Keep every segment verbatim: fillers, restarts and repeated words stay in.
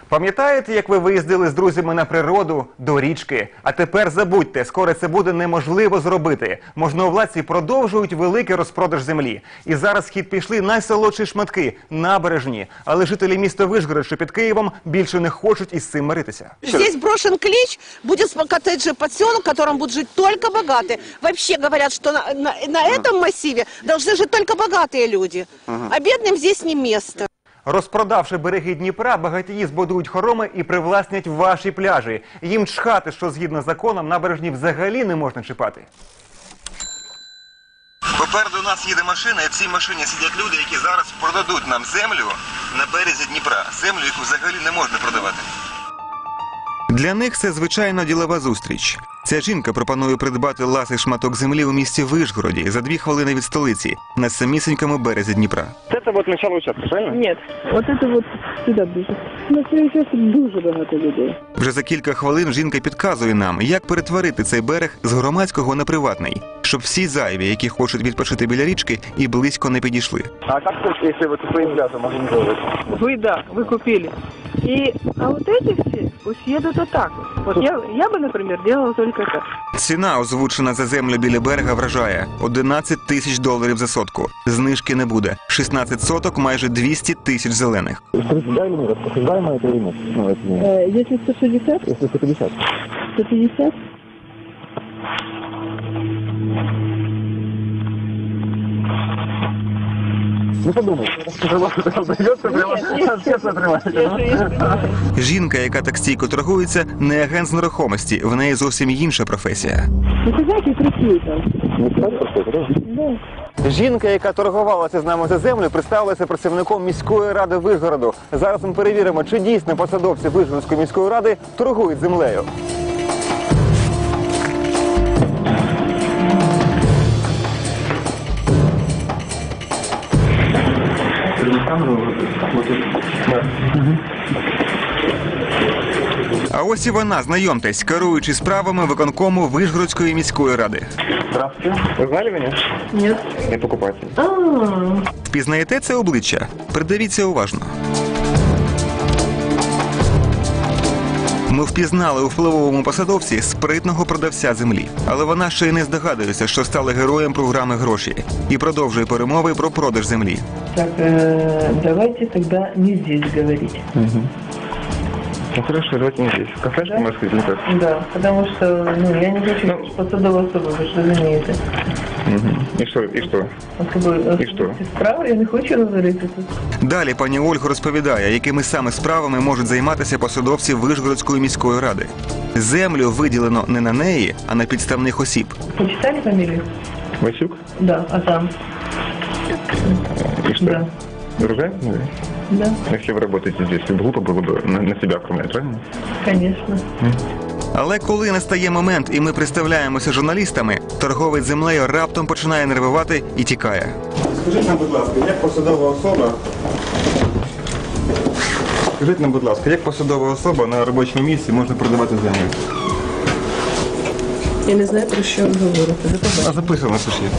Пам'ятаєте, як ви виїздили з друзями на природу, до річки? А тепер забудьте, скоро це буде неможливо зробити. Можновладці продовжують великий розпродаж землі. І зараз в хід пішли найсолодші шматки – набережні. Але жителі міста Вишгород, що під Києвом, більше не хочуть із цим миритися. Здесь брошен клич, будет коттеджный поселок, в котором будут жить только богатые. Вообще говорят, что на, на, на этом массиве должны жить только богатые люди. А бедным здесь не место. Розпродавши береги Дніпра, багатії збудують хороми і привласнять ваші пляжі. Їм чхати, що згідно з законом набережні взагалі не можна чіпати. Попереду нас їде машина, і в цій машині сидять люди, які зараз продадуть нам землю на березі Дніпра. Землю, яку взагалі не можна продавати. Для них це звичайно ділова зустріч. Ця жінка пропонує придбати ласий шматок землі у місті Вишгороді за дві хвилини від столиці, на самісінькому березі Дніпра. Це вот начало участка, правильно? Ні, от це от сюди ближче. На цей участок дуже багато людей. Вже за кілька хвилин жінка підказує нам, як перетворити цей берег з громадського на приватний, щоб всі зайві, які хочуть відпочити біля річки, і близько не підійшли. А як це, якщо ви своїм пляжем організовуєте? Ви, да, ви купили. И, а вот эти все пусть едут вот так вот. Вот я, я бы, например, делала только так. Ціна, озвучена за землю біля берега, вражає – одинадцять тисяч доларів за сотку. Знижки не буде. шістнадцять соток – майже двісті тисяч зелених. Рассуждаем или рассуждаем это или нет? Ну, это не... Э, если сто шестьдесят? Если сто пятьдесят. сто пятьдесят? Ну подумай, придется прямо все отрывать. Жінка, яка так стійко торгується, не агент з нерухомості, в неї зовсім інша професія. Ну, ты знаете, красиво там. Не так просто, да? Да. Жінка, яка торгувалася з нами за землю, представилася працівником міської ради Вишгороду. Зараз ми перевіримо, чи дійсно посадовці Вишгородської міської ради торгують землею. А ось і вона, знайомтесь, керуючи справами виконкому Вишгородської міської ради. Здравствуйте. Вы знали меня? Нет. Я покупатель. А-а-а. Впізнаєте це обличчя? Придивіться уважно. Ми впізнали у впливовому посадовці спритного продавця землі. Але вона ще й не здогадується, що стала героєм програми «Гроші» і продовжує перемови про продаж землі. Так, э, давайте тогда не здесь говорить. Угу. Ну хорошо, давайте не здесь. Кафешка, Да? может быть, не так? Да, потому что, ну, я не хочу ну, посадовая особа, вы что разумеете. Угу. И что? И что? Особливо, І що? справа, я не хочу говорити тут. Далі пані Ольга розповідає, якими саме справами можуть займатися посадовці Вишгородської міської ради. Землю виділено не на неї, а на підставних осіб. Почитали фамилию? Васюк? Да, а там? И что? Да. Друзья? Да, Если вы работаете здесь, глупо было бы на, на себя оформлять, правильно? конечно. Але коли настає момент і ми представляємося журналістами, торговець землею раптом починає нервувати і тікає. Скажіть нам, будь ласка, як посадова особа... Скажіть нам, будь ласка, як посадова особа на робочому місці можна продавати землю? Я не знаю, про що ви говорите. А записано, пишіть.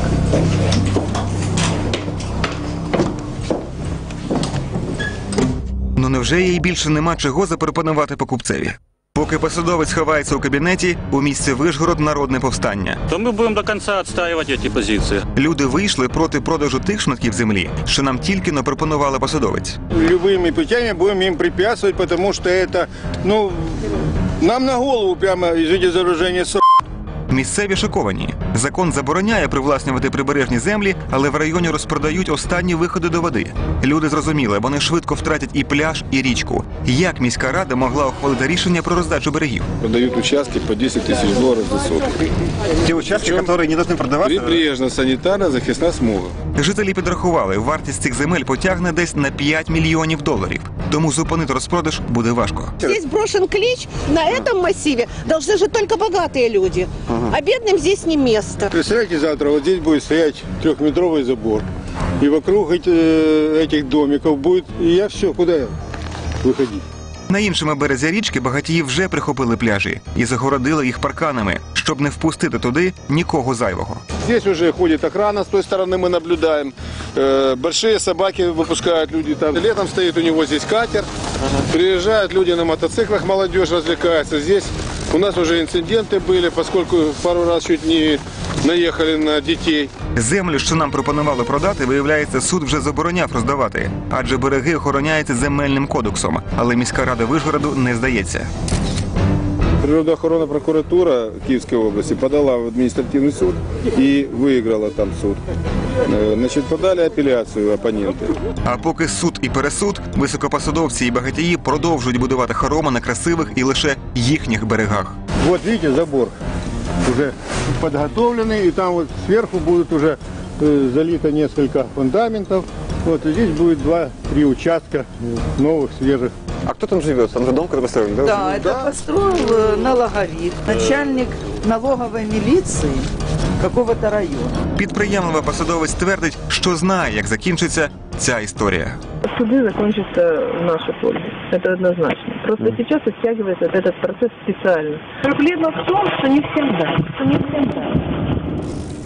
Ну невже їй більше нема чого запропонувати покупцеві? Поки посадовець ховається у кабінеті, у місті Вишгород народне повстання. То ми будемо до кінця відстоювати ці позиції. Люди вийшли проти продажу тих шматків землі, що нам тільки но пропонували посадовець. Любыми путями будем им препятствовать, потому что это, ну, нам на голову прямо, извините за выражение, с***. Місцеві шоковані. Закон забороняє привласнювати прибережні землі, але в районі розпродають останні виходи до води. Люди зрозуміли, вони швидко втратять і пляж, і річку. Як міська рада могла ухвалити рішення про роздачу берегів? Продают участки по десять тысяч долларов за сотку. Ті участки, які не повинні продаватися? Прибрежна санітарна захисна смуга. Жителі підрахували, вартість цих земель потягне десь на п'ять мільйонів доларів. Тому зупинити розпродаж буде важко. Здесь брошен клич, на этом массиве должны жить только богатые люди. А бедным здесь не место. Представляете, завтра вот здесь будет стоять трехметровый забор. И вокруг эти, этих домиков будет, и я все, куда выходить? На іншому березі річки багатії вже прихопили пляжі і загородили їх парканами, щоб не впустити туди нікого зайвого. Здесь уже ходит охрана, с той стороны мы наблюдаем. Э, Большие собаки выпускают люди там. Летом стоит у него здесь катер. Приезжают люди на мотоциклах, молодежь развлекается. Здесь у нас уже инциденты были, поскольку пару раз чуть не наїхали на дітей. Землю, що нам пропонували продати, виявляється, суд вже забороняв роздавати, адже береги охороняються земельним кодексом. Але міська рада Вишгороду не здається. Природоохоронна прокуратура Киевской области подала в административный суд и выиграла там суд. Э, Значит, подали апелляцию оппоненты. А поки суд і пересуд, високопосадовці і багатії продовжують будувати хороми на красивих і лише їхніх берегах. Вот видите, забор уже подготовленный, и там вот сверху будет уже э, залито несколько фундаментов. Вот и здесь будет два-три участка э, новых, свежих. А кто там живет? Там же дом какой-то построен, да? Да, это построил э, налоговик, начальник налоговой милиции какого-то района. Підприємливий посадовець твердить, що знає, як закінчиться ця історія. Суды закончатся в нашу пользу. Это однозначно. Просто сейчас оттягивается этот процесс специально. Проблема в том, что не всем да. Что не всем да.